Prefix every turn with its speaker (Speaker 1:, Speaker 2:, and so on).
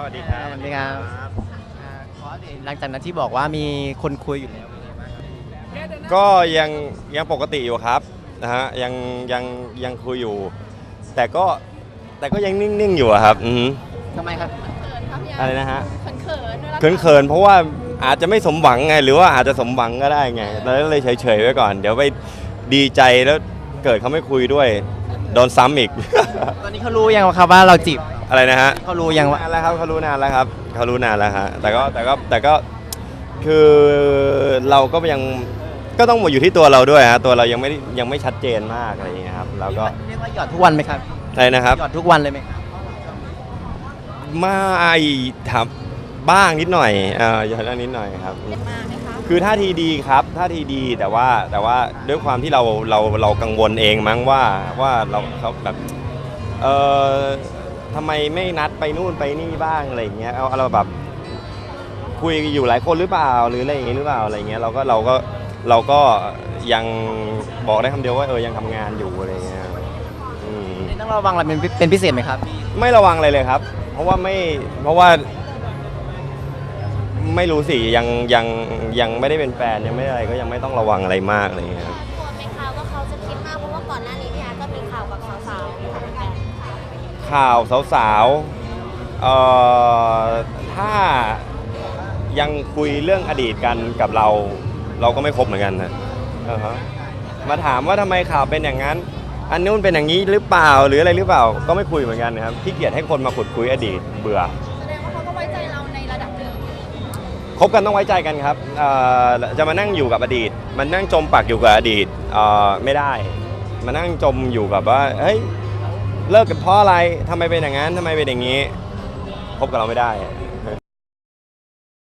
Speaker 1: สวัสดีครับ
Speaker 2: สวัสดีครับขอเดตหลังจากนั้นที่บอกว่ามีคนคุยอยู่แล้วเป็นไงบ้างครับ
Speaker 1: ก็ยังปกติอยู่ครับนะฮะยังคุยอยู่ แต่ก็ยังนิ่งๆอยู่อะครับ
Speaker 2: ทำไมครับ
Speaker 1: อะไรนะฮะ
Speaker 3: เขิน
Speaker 1: เขินเพราะว่าอาจจะไม่สมหวังไงหรือว่าอาจจะสมหวังก็ได้ไงเราก็เลยเฉยๆไว้ก่อน เดี๋ยวไปดีใจแล้วเกิดเขาไม่คุยด้วยโดนซ้ำอีก
Speaker 2: ตอนนี้เขารู้ยังครับว่าเราจีบ
Speaker 1: อะไรนะฮะ
Speaker 2: เขารู้ยังว่า
Speaker 1: นานแล้วครับเขารู้นานแล้วครับเขารู้นานแล้วฮะแต่ก็คือเราก็ก็ต้องหมดอยู่ที่ตัวเราด้วยฮะตัวเรายังไม่ชัดเจนมากอะไรอย่างเงี้ยครับแล้วก็
Speaker 2: เรียกว่าหยอดทุกวันไหมครับ
Speaker 1: อะไรนะครับ
Speaker 2: หยอดทุกวันเลยไหมครับ
Speaker 1: ไม่ทำบ้างนิดหน่อยอย่างนั้นนิดหน่อยครับ
Speaker 3: มาไหมคะ
Speaker 1: คือท่าทีดีครับท่าทีดีแต่ว่าด้วยความที่เรากังวลเองมั้งว่าเขาแบบทำไมไม่นัดไปนู่นไปนี่บ้างอะไรอย่างเงี้ยเอาเราแบบคุยอยู่หลายคนหรือเปล่าหรืออะไรอย่างเงี้ยหรือเปล่าอะไรเงี้ยเราก็ยังบอกได้คำเดียวว่ายังทำงานอยู่อะไรเงี้ยอืม
Speaker 2: ต้องระวังอะไรเป็นพิเศษไหมครับ
Speaker 1: ไม่ระวังอะไรเลยครับ เพราะว่าไม่รู้สิยังไม่ได้เป็นแฟนยังไม่อะไรก็ยังไม่ต้องระวังอะไรมากอะไรเงี้ยครับ
Speaker 3: กลัวไหมคะว่าเขาจะคิดมากเพราะว่าก่อนหน้านี้พี่อาร์ตก็มีข่าวกับสาวๆเหมือนกัน
Speaker 1: ข่าวสาวๆถ้ายังคุยเรื่องอดีตกันกับเราก็ไม่คบเหมือนกันนะมาถามว่าทำไมข่าวเป็นอย่างนั้น อันนู้นเป็นอย่างนี้หรือเปล่าหรืออะไรหรือเปล่าก็ไม่คุยเหมือนกันนะครับขี้เกียจให้คนมาขุดคุยอดีตเบื่อ
Speaker 3: แสดงว่าเขาก็ไว้ใจเราในระดับหนึ่ง
Speaker 1: คบกันต้องไว้ใจกันครับจะมานั่งอยู่กับอดีตมันนั่งจมปักอยู่กับอดีตไม่ได้มานั่งจมอยู่กับว่าเฮ้ยเลิกกันเพราะอะไรทำไมเป็นอย่างนั้นทำไมเป็นอย่างนี้คบกับเราไม่ได้